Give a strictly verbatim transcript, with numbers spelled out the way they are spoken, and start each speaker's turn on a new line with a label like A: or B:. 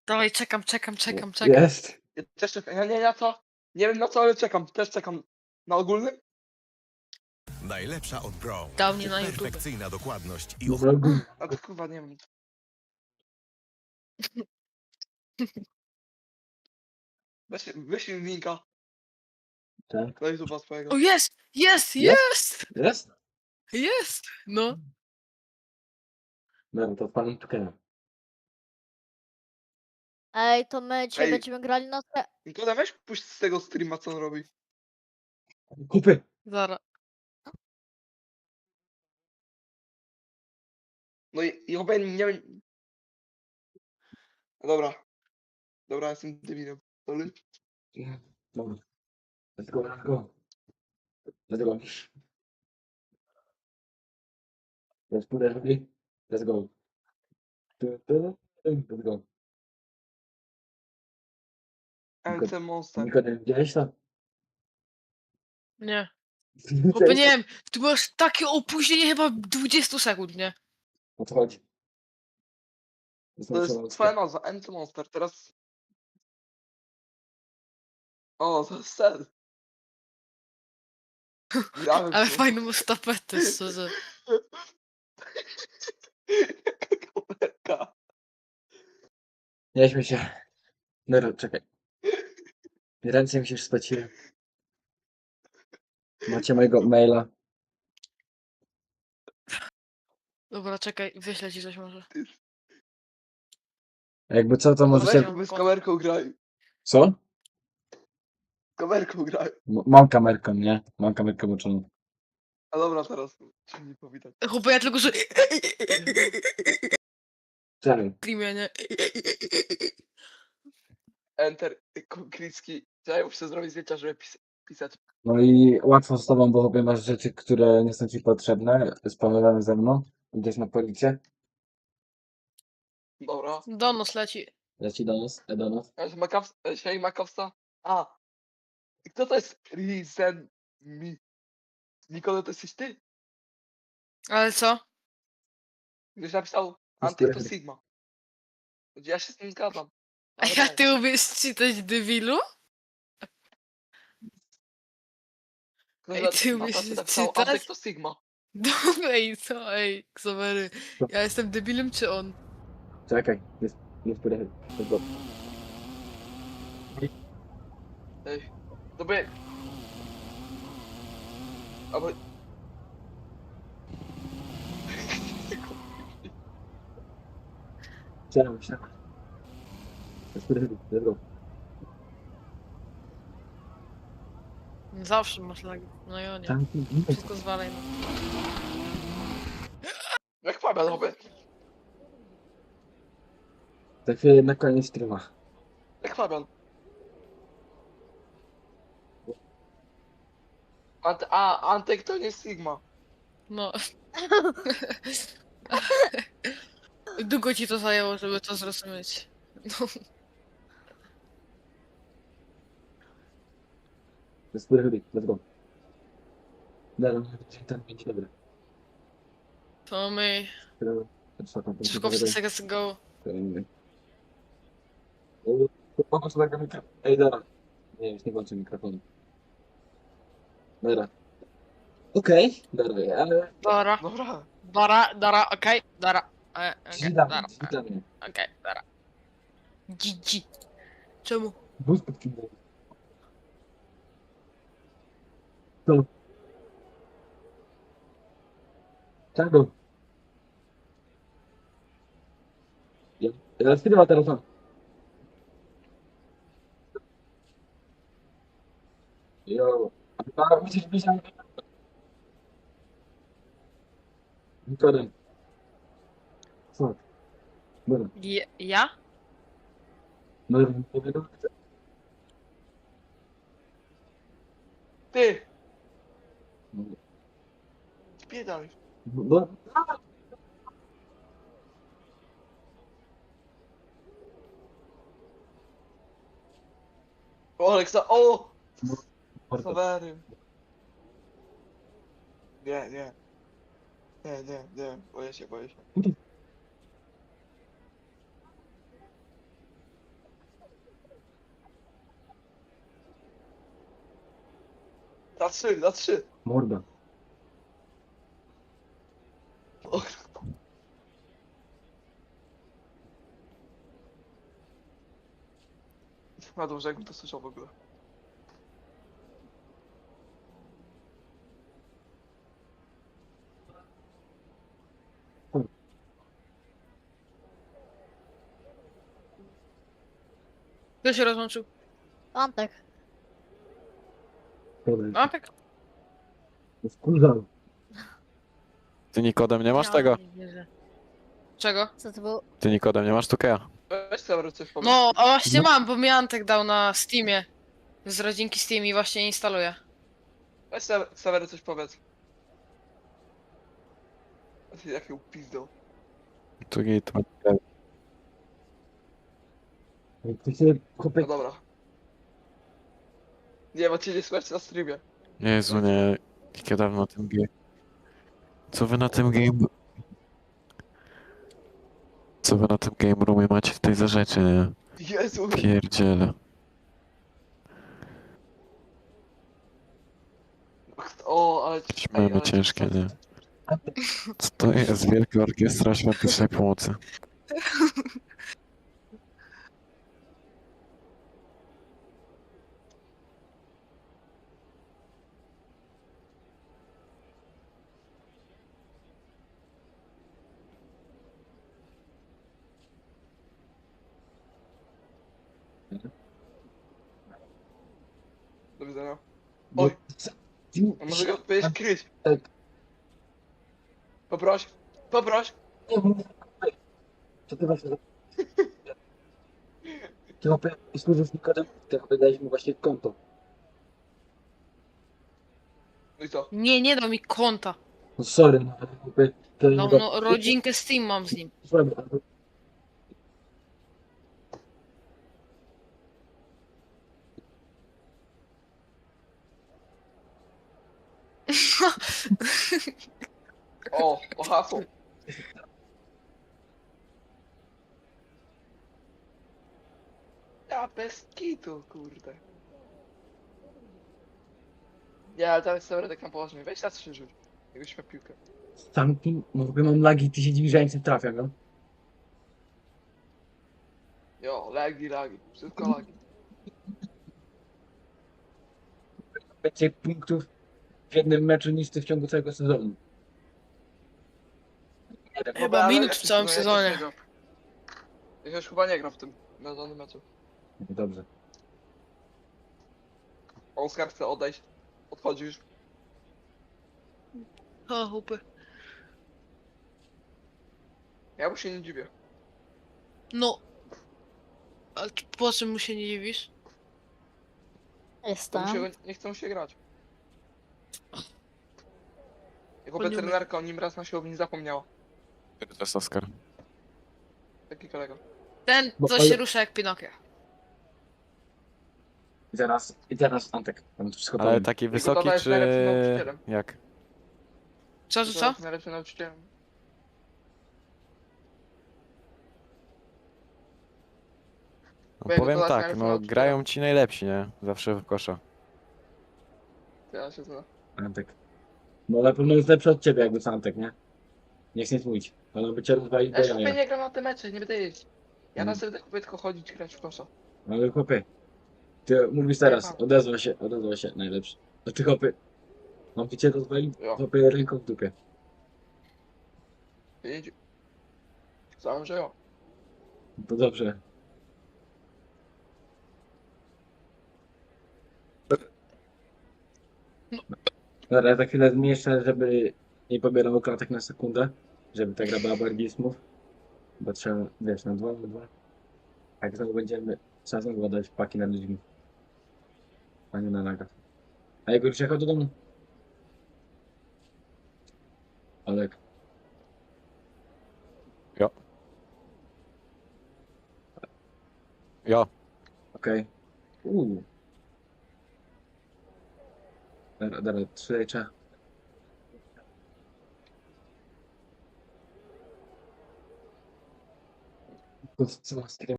A: Dawaj, czekam, czekam, czekam, czekam.
B: Jest.
C: Ja też czekam. Ja nie wiem na co. Nie wiem na co, ale czekam. Też czekam. Na ogólnym?
D: Najlepsza od Brown.
A: Dał mnie na YouTube.
D: Perfekcyjna dokładność i
B: No,
D: ochrona.
B: ogólnie.
C: A to kurwa nie wiem. Weź, wyślij mi linka
B: Tak.
C: na YouTube'a swojego.
A: O, jest! Jest!
B: Jest?
A: Jest!
B: Jest?
A: Jest! No.
B: No to panem Tukena.
E: Ej, to my dzisiaj
C: Ej.
E: będziemy grali na se...
C: Nikoda, weź puść z tego streama, co on robi.
B: Kupy.
A: Zara.
C: No i, i obejmij, nie wiem. Dobra. Dobra, jestem debilem. Sorry.
B: Dobra. Let's go, let's go. Let's go. Let's put it ready. Let's go. Tu, tu, tu, Let's go.
C: L C Monster.
B: Nikodem, widziałeś to?
A: Nie. Chłopie, nie wiem, tu masz takie opóźnienie chyba dwadzieścia sekund, nie?
B: O co chodzi?
C: To jest twoja nazwa, M C Monster. Teraz... O, to jest sen. Grałem
A: Ale
C: w to.
A: fajną masz tapetę, szczerze.
C: Jaka kamerka.
B: Nie śmiej się. Dobra, czekaj. Ręce mi się już spociły. Macie mojego maila.
A: Dobra, czekaj, wyślę ci coś może.
B: Jakby co, to
C: Weź,
B: możecie...
C: my z kamerką graj.
B: Co?
C: Z kamerką graj.
B: M- mam kamerkę, nie? Mam kamerkę włączoną.
C: A dobra, teraz się nie powitać.
A: Chłopie, ja tylko, że...
B: Czekaj.
A: Streamie, nie?
C: Enter, Klicki. Ja muszę zrobić zdjęcia, żeby pis pisać.
B: No i łatwo z tobą, bo chyba masz rzeczy, które nie są ci potrzebne, spamowane ze mną. Idziesz na policję.
C: Dobra.
A: Donos leci.
B: Leci do nas, e, do nas.
C: Ja się Makaws... Siej Makowska. A. I kto to jest Reason Me? Nikola, to jesteś ty?
A: Ale co?
C: Gdzieś napisał Antek to Sigma. Ja się z tym zgadzam.
A: A
C: Ale
A: ja
C: daj.
A: ty umiesz czytać, debilu?
C: Ktoś
A: Ej,
C: na-
A: ty
C: na
A: umiesz
C: tacy napisał
A: czytać?
C: Antek to Sigma.
A: Dobra, i co? Ej, Ksawery.
B: Co?
A: Ja jestem debilem czy on?
B: Czekaj, jest, jest pojechać. Let's go.
C: Ej. Dobra. Albo...
B: Czekaj, czekaj. Jest pojechać, let's go.
A: Zawsze masz lagi. No i o nie.
B: Tam,
A: Wszystko zwalaj. No.
C: Jak Fabian robię.
B: za chwilę na koniec streama.
C: Jak Fabian. Ant a, Antek to nie Sigma.
A: No. Długo ci to zajęło, żeby to zrozumieć. No.
B: Jest pojechać, let's go. Dobra, tam pięć dobra.
A: To my. Szybko wszyscy let's go.
B: Pomóż tego mikrofonu. Ej, dobra. Nie, już nie włączę mikrofonu. Dobra. Okej, dobra, ale...
A: Dara.
C: Dobra.
A: Dara, dara, okej. Dara. E,
B: Drzwi
A: okej,
B: dla mnie,
A: dara.
B: drzwi dla mnie.
A: Okej, dara. Gigi. Czemu?
B: Bus pod kim był. To. Czego? Ja, ja streama teraz mam. Jo. A musisz być na... Nikodem. Co? Dobra.
A: Je, ja?
B: No, nie wiem.
C: Ty. Spiedaj.
B: No,
C: O, Aleksa, o!
B: Mordo.
C: Sawery. Nie, nie. Nie, nie, nie. Boję się, boję się. Na trzy, na trzy.
B: Morda.
C: O, na dobrze, jakbym to słyszał w ogóle.
A: Kto się rozłączył?
E: Antek.
B: Dobra,
A: A tak?
B: wkurzam.
F: Ty Nikodem nie masz
A: Ja
F: tego?
A: nie wierzę. Czego?
E: Co to było?
F: Ty Nikodem nie masz Tukeja?
C: Weź sobie coś powiedz.
A: No, a właśnie
B: No.
A: mam, bo mi Antek dał na Steamie. Z rodzinki Steam i właśnie instaluję.
C: Weź sobie Sawery coś powiedz. Jak ją pizdą.
F: Tu git.
B: Ty się chłopie...
C: No dobra. Nie, bo cię nie słychać na streamie.
F: Jezu, nie. Jak ja dawno na tym game... Co wy na tym game... Co wy na tym game roomie macie w tej za rzeczy, nie?
C: Jezu.
F: Pierdziele.
C: O, ale...
F: Śmemy
C: ale-
F: ciężkie, nie? Co to jest? Wielka Orkiestra Świątecznej Pomocy.
C: Do widzenia.
B: No,
C: Oj.
B: co-
C: A może go odpowiedzieć kryć?
B: Tak.
C: Poproś. Poproś.
B: Nie mów. Co ty masz za... Ty chłopie, służysz Nikodem, ty chłopie dałeś mu właśnie konto.
C: No i co?
A: Nie, nie dał mi konta.
B: No sorry, no ale chłopie... To
A: Dał
B: nie
A: no, rodzinkę Steam mam z nim.
B: Sorry, ale...
C: O, o hasło. Ja bez kitu, kurde. Nie, ale teraz sobie tak na poważnie. Weź na trzy rzuć. Jakbyś miał piłkę.
B: Sam kim, no chłopie mam lagi, ty się dziwisz, że ja nic nie trafiam, no?
C: Jo, lagi, lagi. Wszystko lagi.
B: Więcej punktów w jednym meczu niż ty w ciągu całego sezonu. Nie wiem,
A: Chyba
C: ale
A: minut
C: ja
A: w
C: się
A: całym
C: chyba-
A: sezonie.
C: Ja, też nie gram. ja już chyba nie gram w tym na danym meczu.
B: dobrze.
C: Oskar chce odejść. Odchodzisz.
A: O, chłopy.
C: Ja mu się nie dziwię.
A: No. A po czym mu się nie dziwisz?
C: To
E: Jestem.
C: mu się, nie chce mu się grać. Jako
A: On nie umie.
C: weterynarka o nim raz na siłowni zapomniała.
F: To jest Oskar.
C: Taki kolega.
A: Ten,
B: Bo-
A: co
B: ale-
A: się rusza jak Pinokio.
B: I teraz, i teraz Antek, tam to wszystko
F: Ale
B: powiem.
F: taki
C: tata
F: wysoki
C: jest
F: czy...
C: najlepszym nauczycielem.
F: Jak?
A: Co, co, co?
C: Najlepszym nauczycielem.
F: No,
C: Bo jego
F: powiem
C: to
F: tak,
C: najlepszy
F: no
C: nauczyciel.
F: grają ci najlepsi, nie? Zawsze w kosza.
C: Ja się znam.
B: Antek. No na pewno jest lepszy od ciebie jakby co Antek, nie? Nie chcę nic mówić. Ale by cię rozwalić do
C: Ja się chłopie
B: jaja.
C: nie gram na te mecze, nie będę jeździć. Ja na
B: Mm.
C: sobie chłopie tylko chodzić, grać w kosza.
B: Ale chłopie, ty mówisz teraz,
C: mam.
B: odezwa się, odezwa się najlepszy. A ty chłopie, mam cię rozwalić,
C: Jo.
B: chłopie ręką w dupie.
C: Pięć. Sam, że jo.
B: To dobrze. Dobra, ja za chwilę zmniejszę, żeby nie pobierał klatek na sekundę, żeby ta gra była bardziej smooth. Bo trzeba, wiesz, na dwa, na dwa. Jak znowu będziemy, trzeba znowu dać paki na ludźmi. A nie na nagach. A jego już jechał do domu? Olek.
F: Jo.
B: Okej. Uuu. Dobra, dobra, trzy lejcza. Co, co,